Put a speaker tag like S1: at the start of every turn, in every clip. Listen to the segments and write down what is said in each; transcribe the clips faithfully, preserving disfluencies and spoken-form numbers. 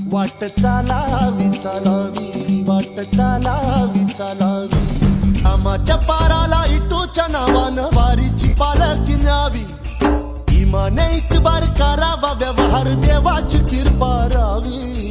S1: वाट चालावी चालावी वाट चालावी चालावी आमाच्या पाराला इटूच्या नावानं वारीची पालखी न्यावी इमाने इतबार करावा व्यवहार देवाची कृपा रावी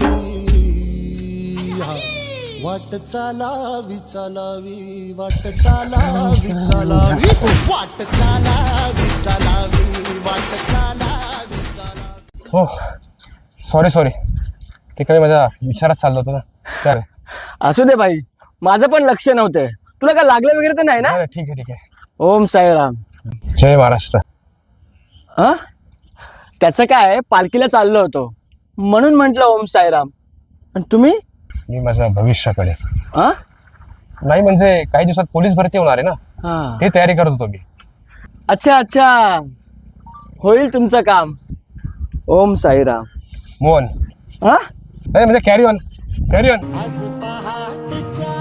S1: वाट चालावी चालावी वाट चालावी चालावी वाट चालावी चालावी वाट चालावी चालावी
S2: हो सॉरी सॉरी ते काही माझ्या विचारात चाललं होतं ना तर
S3: असू दे भाई, माझं पण लक्ष नव्हतं. तुला काय लागलं वगैरे तर नाही ना?
S2: नाही, ठीक आहे ठीक आहे.
S3: ओम साईराम.
S2: जय महाराष्ट्र.
S3: हा, त्याचं काय, पालखीला चाललो होतो म्हणून म्हटलं ओम साईराम. आणि तुम्ही?
S2: मी माझ्या भविष्याकडे
S3: हा
S2: नाही म्हणजे काही दिवसात पोलीस भरती होणार आहे ना,
S3: हा
S2: ते तयारी करत होतो मी.
S3: अच्छा अच्छा, होईल तुमचं काम. ओम साईराम.
S2: मोहन
S3: हा
S2: नाही म्हणजे कॅरी ऑन कॅरी ऑन.
S1: आज पहाटेच्या